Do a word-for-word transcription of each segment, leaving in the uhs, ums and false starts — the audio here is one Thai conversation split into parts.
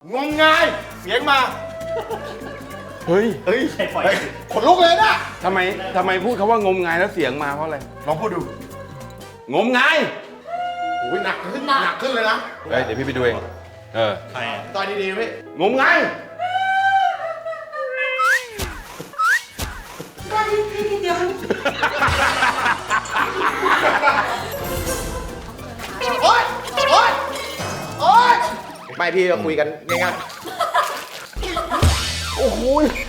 งมงายเสียงมาเฮ้ยเฮ้ยขนลุกเลยนะทำไมทำไมพูดคำว่างมงายแล้วเสียงมาเพราะอะไรลองพูดดูงมงายโอ้ยหนักขึ้นหนักขึ้นเลยนะเฮ้ยเดี๋ยวพี่ไปดูเองเออใครอ่ะตอนดีๆพี่งมงายโอ๊ยโอ๊ยโอ๊ยไม่พี่เราคุยกันง่ายๆโอ้โห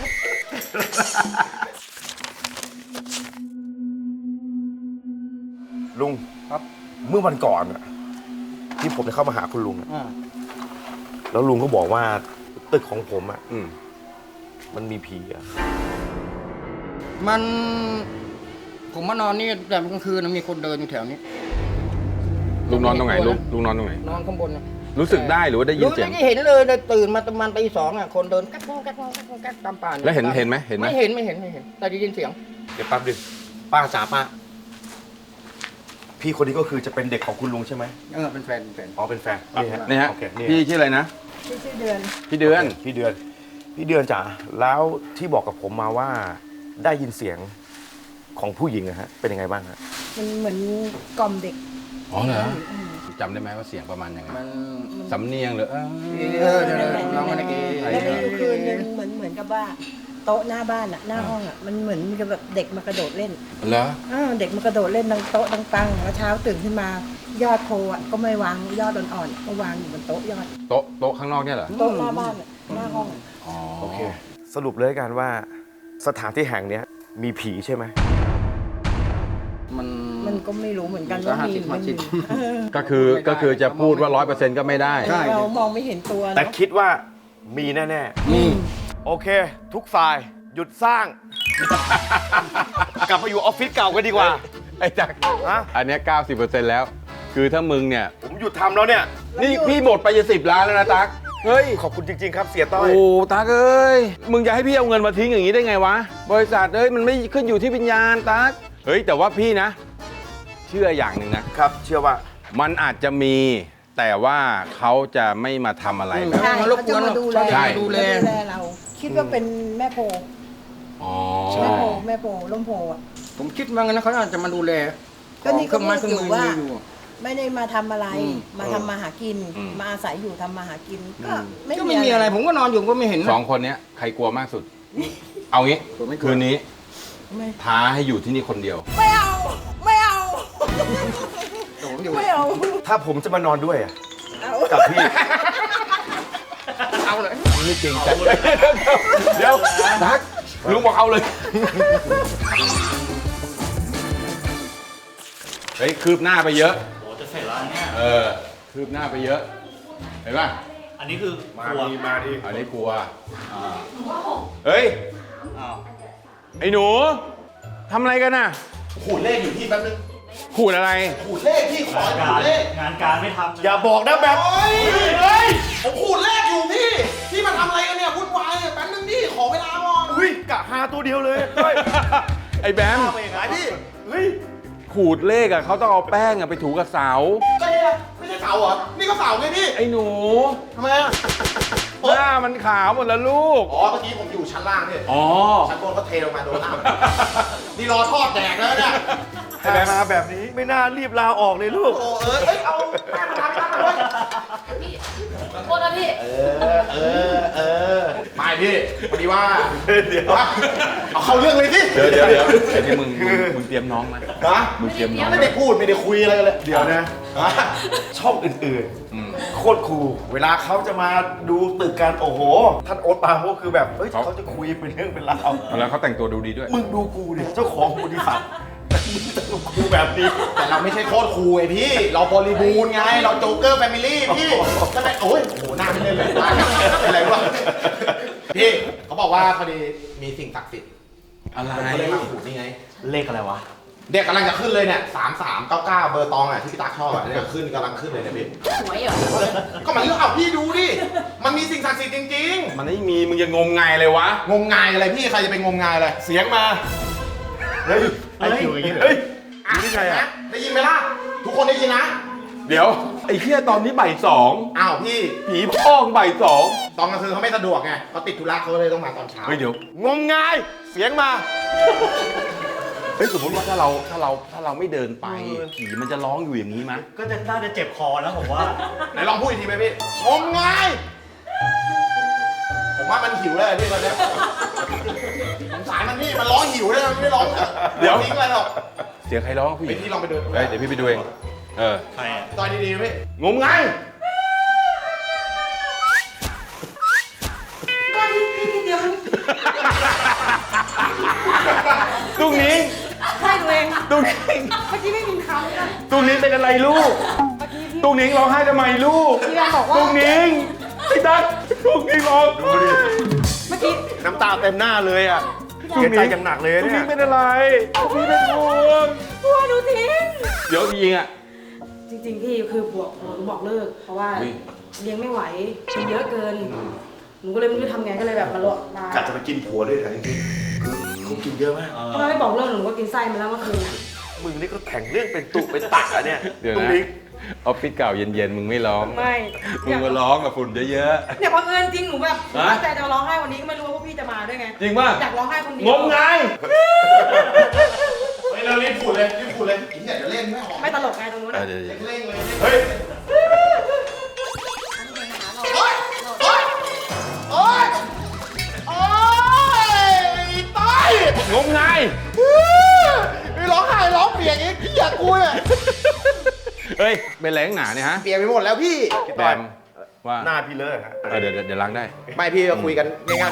ลุงครับเมื่อวันก่อนอะที่ผมจะเข้ามาหาคุณลุงอะแล้วลุงก็บอกว่าตึกของผมอะอืมมันมีผีอะมันผมมานอนนี่แต่กลางคืนนะมีคนเดินอยู่แถวนี้ลุงนอนตรงไหนลุงลุงนอนตรงไหนนอนข้างบนนะรู้สึกได้หรือว่าได้ยินรู้เสียงไม่ได้เห็นเลยเลยตื่นมาประมาณตีสองอ่ะคนเดินกักกักกักกักกักกักตามป่าแล้วเห็นเห็นไหมเห็นไหมไม่เห็นไม่เห็นไม่เห็นแต่ได้ยินเสียงเดี๋ยวแป๊บนึงป้าจ๋าป้าพี่คนนี้ก็คือจะเป็นเด็กของคุณลุงใช่ไหมเออเป็นแฟนเป็นแฟนอ๋อเป็นแฟนนี่ฮะโอเคนี่พี่ชื่ออะไรนะชื่อเดือนพี่เดือนพี่เดือน พี่เดือนจ๋าแล้วที่บอกกับผมมาว่าได้ยินเสียงของผู้หญิงอะฮะเป็นยังไงบ้างฮะมันเหมือนกล่อมเด็กอ๋อเหรอจำได้ไหมว่าเสียงประมาณยังไงมันสำเนียงหรือเออเออเดี๋ยวๆน้องมันเอแล้วมีอยู่คืนนึงเหมือนเหมือนกับว่าโต๊ะหน้าบ้านอะหน้าห้องอะมันเหมือนมีกับแบบเด็กมากระโดดเล่นเหรออ้าวเด็กมากระโดดเล่นดังโต๊ะดังปังแล้วเช้าตื่นขึ้นมายอดโพอะก็ไม่วางยอดอ่อนๆก็วางอยู่บนโต๊ะยอดโต๊ะโต๊ะข้างนอกเนี่ยเหรอโต๊ะหน้าบ้านอะหน้าห้องอะอ๋อโอเค สรุปเลยกันว่าสถานที่แห่งเนี้ยมีผีใช่ไหมมันมันก็ไม่รู้เหมือนกันมันก็ว่ามีห้าสิบมันห้าสิบเออก็คือก็คือจะพูดว่าร้อยเปอร์เซ็นต์ก็ไม่ได้ใช่เรามองไม่เห็นตัวแต่เนาะคิดว่ามีแน่นี่ๆ โอเค ทุกฝ่ายหยุดสร้าง กลับมาอยู่ออฟฟิศเก่ากันดีกว่าไอ้จักรฮะอันเนี้ยเก้าสิบเปอร์เซ็นต์แล้ว คือถ้ามึงเนี่ยผมหยุดทำแล้วเนี่ยนี่พี่หมดไปจะสิบล้านแล้วนะตั๊กเฮ้ยขอบคุณจริง ๆ ครับเสียต้อยโอ้ตั๊กเอ้ย มึงจะให้พี่เอาเงินมาทิ้งอย่างนี้ได้ไงวะ บริษัทเอ้ยมันไม่ขึ้นอยู่ที่วิญญาณตั๊กเฮ้ยแต่ว่าพี่นะ เชื่ออย่างหนึ่งนะครับ เชื่อว่ามันอาจจะมี แต่ว่าเขาจะไม่มาทำอะไรแบบใช่มันรบเขากวจะนมาดูแลใช่ดูแลดูแลเรา คิดว่าเป็นแม่โพอ๋อแม่โพแม่โพล่มโพอะผมคิดว่างั้นนะเขาอาจจะมาดูแลก็นี่เครื่องไม้เคก็รื่องพูมืดออยู่ว่ามีอยู่ไม่ได้มาทำอะไรอืมมาทำมาหากิน มาอาศัยอยู่ทำมาหากิน ก็ไม่ก็ไม่มีอะไรผมก็นอนอยู่ก็ไม่เห็นนะสองคนเนี้ยใครกลัวมากสุด เอางี้ผมไม่กลัวคืนนี้ไม่ท้าให้อยู่ที่นี่คนเดียวไม่เอา ไม่เอาผมอยู่ไม่เอาถ้าผมจะมานอนด้วยอะเอากับพี่เอาเลยไม่เก่งใจเดี๋ยวตั๊กลุงบอกเอาเลย เฮ้ย คืบหน้าไปเยอะโอ้จะเสร็จแล้วเนี่ยเออ คืบหน้าไปเยอะ เห็นป่ะอันนี้คือมาครัวดีมาดีอันนี้กลัว เฮ้ยอ้าวไอ้หนู ทำอะไรกันน่ะขูดเลขอยู่ที่แป๊บนึงขูดอะไรขูดเลขพี่ขอขูงานการดเลขงานการไม่ทำอย่าบอกนะแบบเฮ้ยเฮ้ยผมขูดเลขอยู่พี่ พี่มาทำอะไรกันเนี่ยวุ่นวายแป๊บนึงดิขอเวลาก่อนอุ้ยกะหาตัวเดียวเลยเฮ้ยไอ้แบมทำยังไงพี่ เฮ้ยขูดเลขอะเขาต้องเอาแป้งอะไปถูกับเสาก็เนี่ยไม่ใช่เสาเหรอ นี่ก็เสาไงพี่ไอ้หนูทำไมอ่ะหน้ามันขาวหมดแล้วลูกอ๋อ เมื่อกี้ผมอยู่ชั้นล่างเนี่ยอ๋อชั้นบนก็เทลงมาโดนน้ำ นี่รอทอดแดกแล้วเนี่ยไอ้แบมมาแบบนี้ไม่น่ารีบลาออกเลยลูก โอ้เออเอ้ย เอาแป้งมาทำกันเลยพี่ขอโทษนะพี่เออ เออ เออ ไม่พี่พอดีว่า เดี๋ยว เอาเข้าเรื่องเลยสิเดี๋ยวเดี๋ยวเดี๋ยวไอ้นี่มึงมึงมึงเตรียมน้องไหมฮะมึงเตรียมน้องไม่ได้พูดไม่ได้คุยอะไรกันเลย เดี๋ยวนะ ช่องอื่นอืมๆ โคตรคูลเวลาเขาจะมาดูตึกกันโอ้โห ท่านโอ๊ตปราโมชคือแบบ เฮ้ยเขาจะคุยเป็นเรื่องเป็นราวแล้วเขาแต่งตัวดูดีด้วยมึงดูกูดิเจ้าของบริษัทมึงแต่งกับกูแบบนี้ แต่เราไม่ใช่โคตรคูลไอพี่ เราบริบูรณ์ไง เราโจ๊กเกอร์แฟมิลี่พี่ทำไมโอ้ยโอ้โหหน้าไม่เล่นเลยอะไรวะพี่เขาบอกว่าพอดีมีสิ่งศักดิ์สิทธิ์อะไรผมก็เลยมาขูดนี่ไง เลขอะไรวะ เด็กกำลังจะขึ้นเลยเนี่ยสามสามเก้าเก้าเบอร์ตองอ่ะที่พี่ตาชอบอ่ะเนี่ยขึ้นกำลังขึ้นเลยเนี่ยพี่หวยเหรอก็มันเรื่องเอาพี่ดูดิ มันมีสิ่งศักดิ์สิทธิ์จริงมันไม่มีมึงจะงมงายเลยวะๆ งมงายอะไรพี่ใครจะไปงมงายอะไร เสียงมา เฮ้ยไอ้คิวอย่างนี้เหรอเฮ้ยได้ยินไหมได้ยินไหมล่ะ ทุกคนได้ยินนะเดี๋ยวไออ้เหี้ยตอนนี้บ่ายสองอ้าวพี่ผีพ้องบ่ายสองตอนกลางคืนเขาไม่สะดวกไงเขาติดธุระเขาเลยต้องมาตอนเช้าเฮ้ยเดี๋ยวงมงายเสียงมาเฮ้ยสมมติว่าถ้าเราถ้าเราถ้าเราไม่เดินไปผีมันจะร้องอยู่อย่างนี้มั้ยก็จะน่าจะเจ็บคอนะผมว่าไหนลองพูดอีกทีไหมพี่งมงายผมว่ามันหิวแล้วพี่ตอนเนี้ยสงสารมันพี่มันร้องหิวเลยมันไม่ร้องทิ้งอะไรหรอกเสียงใครร้องผู้หไปญิงที่ลองไปดูเฮ้ยเดี๋ยวพี่ไปดูเองเออใครอ่ะต่อยดีๆพี่งมงายตุ้งนิ้งใช่ตัวเองตุ้งนิ้งเมื่อกี้ไม่มีเขาเลยนะตุ้งนิ้งเป็นอะไรลูกเมื่อกี้พี่ตุ้งนิ้งร้องไห้ทำไมลูกพี่แอนบอกว่าตุ้งนิ้งไอ้ตั๊กตุ้งนิ้งร้องดูดิเมื่อกี้น้ำตาเต็มหน้าเลยอ่ะเสียใจอย่างหนักเลยตุ้งเนี่นิ้ยงเป็นอะไรตุ้งนิ้งเป็นห่วงกลัวหนูทิ้งเดี๋ยวจริงๆอ่ะจริงๆพี่คือบอกหนูบอกเลิก เพราะว่าอุ๊ยเลี้ยงไม่ไหวมันเยอะเกิน หนูก็เลยไม่รู้จะทำไงก็เลยแบบมาลวกมากะจะไปกินผัวด้วยเหรอจริงๆคือเขากินเยอะมากเพราะว่าไม่บอกเลิกหนูก็กินไส้มาแล้วเมื่อคืนน่ะมึงนี่ก็แข่งเรื่องเป็นตุเป็นตักอะเนี่ยเดี๋ยวตุ้งนะนิ้งออฟฟิศเก่าเย็นๆมึงไม่ร้องไม่มึงมาร้องกับฝุ่นเยอะเนี่ยบังเอิญจริงหนูแบบฮะตั้งใจจะมาร้องไห้วันนี้ก็ไม่รู้ว่าพวกพี่จะมาด้วยไงๆจริงป่ะอยากร้องไห้คนเดีงมงายเฮ้ยเรารีบพูดเลยรีบพูดเลยอีเนี่ยเดี๋ยวเล่นไม่ออกไม่ตลกไงตรงนู้นเออน่ะเดี๋ยวเล่นเลยเฮ้ยโอ๊ยโอ๊ยโอ๊ยโอ๊ยตายๆงมงายมีร้องไห้ร้องเปียกอีกพี่อยากกูเนี่ยเฮ้ยเป็นแรงหนาเนี่ยฮะเปียกไปหมดแล้วพี่แบมว่าหน้าพี่เลอะฮะเออเดี๋ยวเดี๋ยวเดี๋ยวล้างได้ไม่พี่ก็คุยกันง่าย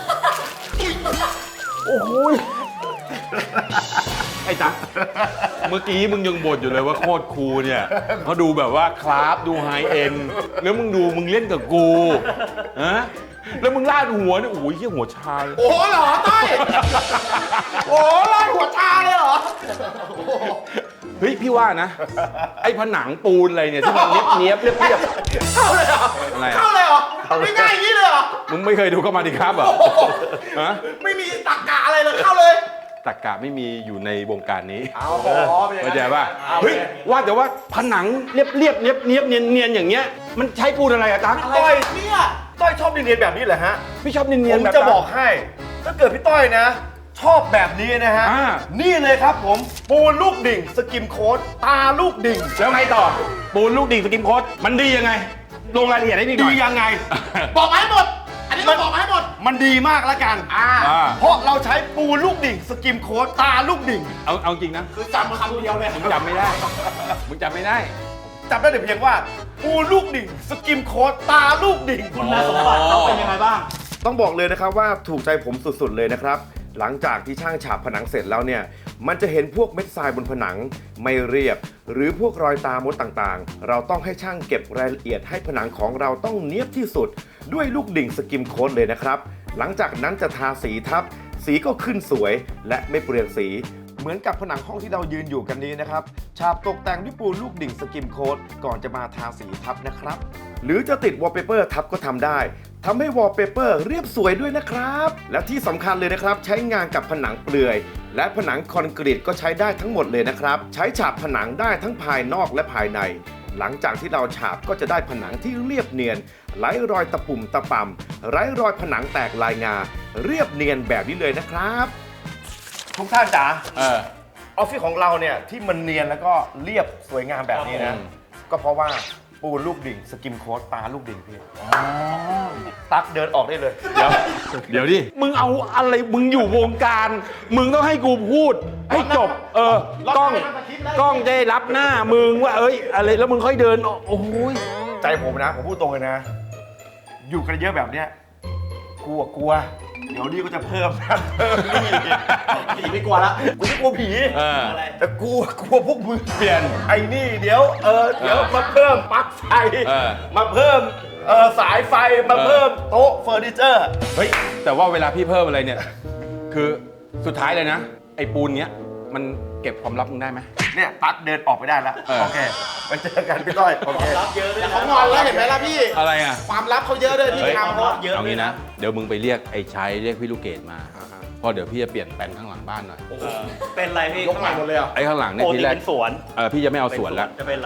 ไอ้ตั๊กเมื่อกี้มึงยังบ่นอยู่เลยว่าโคตรคูลเนี่ยเขาดูแบบว่าคลาสดูไฮเอ็นแล้วมึงดูมึงเล่นกับกูฮะแล้วมึงลาดหัวเนี่ยโอ้ยเหี้ยหัวชาเลยๆโอ้โหเหรอต้อยโอ้โหลาดหัวชาเลยเหรอเฮ้ยพี่ว่านะ ไอ้ผนังปูนอะไรเนี่ยที่มันเนี้ยบเนี้ยบเรียบเรียบเข้าเลยเหรออะไรอะเข้าเลยเหรอไม่ง่ายอย่างนี้เลยเหรอมึงไม่เคยดูเข้ามาดิครับเหรอฮะไม่มีตรรกะอะไรเลยเข้าเลยตักกะไม่มีอยู่ในวงการนี้เอาขอไปเข้าใจป่ะเฮ้ยว่าแต่ว่าผนังเรียบเรียบเนียบเนียบเนียนเนียนอย่างเงี้ยมันใช้ปูนอะไรอะตั๊กต้อยเนี่ยต้อยชอบเนียนๆแบบนี้เหรอฮะพี่ชอบเนียนเนียผนมแบบจะตั๊บอกให้ ถ้าเกิดพี่ต้อยนะ ชอบแบบนี้นะฮะอ่านี่เลยครับผม ปูนลูกดิ่ง สกิมโค้ด ตาลูกดิ่งแล้วไงต่อปูนลูกดิ่งสกิมโค้ดมันดียังไง ลงรายละเอียดให้พี่หน่ดีอยยังไงบอกมาให้หมด อันนี้ต้องบอกมาให้หมดมันดีมากแล้วกันอ่าอ่าเพราะเราใช้ปูนลูกดิ่ง สกิมโค้ด ตาลูกดิ่งเอาเอาจริงนะคือจำคำเดียวเลยมึงจำไม่ได้มึงจำไม่ได้จำได้แต่เพียงว่า ปูนลูกดิ่ง สกิมโค้ด ตาลูกดิ่งคุณสมบัติเขาเป็นยังไงบ้างต้องบอกเลยนะครับว่าถูกใจผมสุดๆเลยนะครับ หลังจากที่ช่างฉาบผนังเสร็จแล้วเนี่ย มันจะเห็นพวกเม็ดทรายบนผนังไม่เรียบ หรือพวกรอยตามดต่างๆ เราต้องให้ช่างเก็บรายละเอียดให้ผนังของเราต้องเนียบที่สุด ด้วยลูกดิ่งสกิมโค้ดเลยนะครับ หลังจากนั้นจะทาสีทับ สีก็ขึ้นสวยและไม่เปลืองสี เหมือนกับผนังห้องที่เรายืนอยู่กันนี้นะครับฉาบตกแต่งด้วยปูนลูกดิ่งสกิมโค้ดก่อนจะมาทาสีทับนะครับ หรือจะติดวอลเปเปอร์ทับก็ทำได้ทำให้วอลเปเปอร์เรียบสวยด้วยนะครับ และที่สำคัญเลยนะครับ ใช้งานกับผนังเปลือย และผนังคอนกรีตก็ใช้ได้ทั้งหมดเลยนะครับ ใช้ฉาบผนังได้ทั้งภายนอกและภายใน หลังจากที่เราฉาบก็จะได้ผนังที่เรียบเนียน ไร้รอยตะปุ่มตะป่ำไร้รอยผนังแตกลายงา เรียบเนียนแบบนี้เลยนะครับทุกท่านจ๋าเออออฟฟิศของเราเนี่ยที่มันเนียนแล้วก็เรียบสวยงามแบบนี้ครันะบผมก็เพราะว่าปูนลูกดิ่งสกิมโค้ดตาลูกดิ่งพี่ตักเดินออกได้เลยเดี๋ยวเดี๋ยวดิมึงเอาอะไรมึงอยู่วงการ มึงต้องให้กูพูดให้จบ เออกล้องกล้องจะได้รับหน้ามึงว่าเอ้ยอะไรแล้วมึงค่อยเดินออกโอ้ยใจผมนะ ผมพูดตรงเลยนะ อยู่กันเยอะแบบเนี้ยกลัวกลัว เดี๋ยวนี้ก็จะเพิ่มนะเพิ่มนี่ผีไม่กลัวละกูไม่กลัวผีเออแต่กลัวกลัวพวกมึงเปลี่ยนไอ้นี่เดี๋ยวเออเดี๋ยวมาเพิ่มปลั๊กไฟเออมาเพิ่มเออสายไฟมาเพิ่มโต๊ะเฟอร์นิเจอร์เฮ้ยแต่ว่าเวลาพี่เพิ่มอะไรเนี่ย คือสุดท้ายเลยนะ ไอ้ปูนเนี้ยมันเก็บความลับมึงได้ไหมเนี่ยตั๊กเดินออกไปได้แล้วเออโอเคไปเจอกันพี่ต้อยโอเครับเยอะด้วยแต่นะเขางอนแล้วเห็นไหมล่ะพี่อะไรอ่ะความลับเขาเยอะเลยพี่เฮ้ยทำเขาเยอะเอาด้วงี้ยนะนะเดี๋ยวมึงไปเรียกไอ้ชัยเรียกพี่ลูกเกดมาเพราะเดี๋ยวพี่จะเปลี่ยนแปลนข้างหลังบ้านหน่อยเป็นไรพี่ยกใหม่หมดเลยเหรอ่ะไอ้ข้างหลังเนี่ยโอ้ทีนี่แรกเป็นสวนเออพี่จะไม่เอาสวนแล้วจะเป็นไร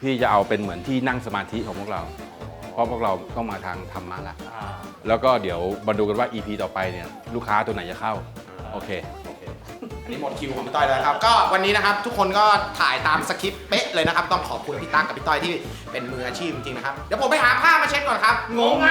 พี่จะเอาเป็นเหมือนที่นั่งสมาธิของพวกเรา เพราะพวกเราต้องมาทางธรรมะละแล้วก็เดี๋ยวมาดูกันว่า อี พี ต่อไปเนี่ยลูกค้าตัวไหนจะเข้าโอเคอันนี้หมดคิวของพี่ต้อยแล้วนะครับ ก็วันนี้นะครับทุกคนก็ถ่ายตามสคริปต์เป๊ะเลยนะครับ ต้องขอบคุณพี่ตั๊กกับพี่ต้อยที่เป็นมืออาชีพจริงๆนะครับ เดี๋ยวผมไปหาผ้ามาเช็ดก่อนครับ งงไง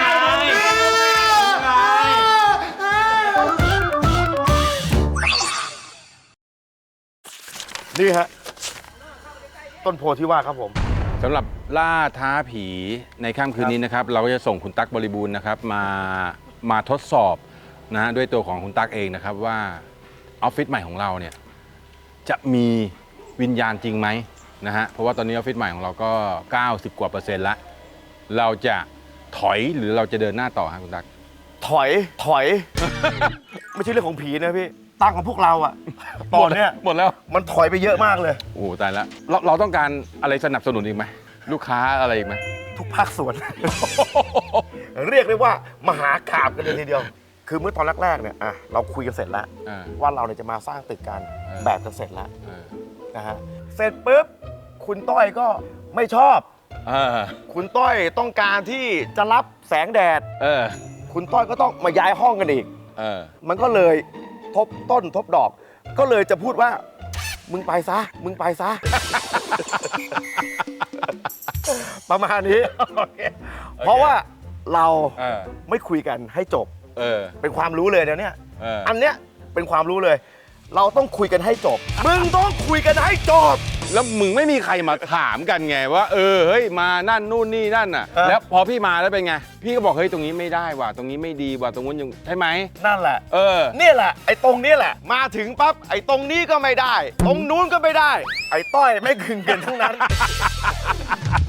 นี่ฮะต้นโพที่ว่าครับผมสำหรับล่าท้าผีในค่ำคืนนี้นะครับ เราก็จะส่งคุณตั๊กบริบูรณ์นะครับมามาทดสอบนะฮะด้วยตัวของคุณตั๊กเองนะครับว่าออฟฟิศใหม่ของเราเนี่ยจะมีวิญญาณจริงไหมนะฮะเพราะว่าตอนนี้ออฟฟิศใหม่ของเราก็ เก้าสิบ กว่าเปอร์เซ็นต์ละเราจะถอยหรือเราจะเดินหน้าต่อฮะคุณตั๊กถอยถอย ไม่ใช่เรื่องของผีนะพี่ตั้งของพวกเราอะตอนเนี้ยหมดแล้วมันถอยไปเยอะมากเลยโอ้โหตายแล้วเราเราต้องการอะไรสนับสนุนอีกไหมลูกค้าอะไรอีกไหมทุกภาคส่วน เรียกได้ว่ามหากาพย์กันเลยทีเดียว คือเมื่อตอนแรกๆเนี่ยอ่ะเราคุยกันเสร็จแล้วอ่าว่าเราเนี่ยจะมาสร้างตึกกันเออแบบกันเสร็จแล้วเออนะฮะเสร็จปุ๊บคุณต้อยก็ไม่ชอบเออคุณต้อยต้องการที่จะรับแสงแดดเออคุณต้อยก็ต้องมาย้ายห้องกันอีกเออมันก็เลยทบต้นทบดอก ก็เลยจะพูดว่า มึงไปซะ มึงไปซะ ประมาณนี้ เพราะว่าเราเออไม่คุยกันให้จบเออเป็นความรู้เลยเดี๋ยวเนี้ยเอออันเนี้ยเป็นความรู้เลย เราต้องคุยกันให้จบ มึงต้องคุยกันให้จบแล้วมึงไม่มีใครมาถามกันไงว่าเออเฮ้ยมานั่นนู่นนี่นั่นน่ะเออแล้วพอพี่มาแล้วเป็นไงพี่ก็บอกเฮ้ยตรงนี้ไม่ได้ว่ะตรงนี้ไม่ดีว่ะตรงนู้นยังใช่ไหมนั่นแหละเออเนี่ยแหละ ไอ้ตรงนี้แหละ มาถึงปั๊บ ไอ้ตรงนี้ก็ไม่ได้ ตรงนู้นก็ไม่ได้ ไอ้ต้อยไม่คืนเกินทั้งนั้น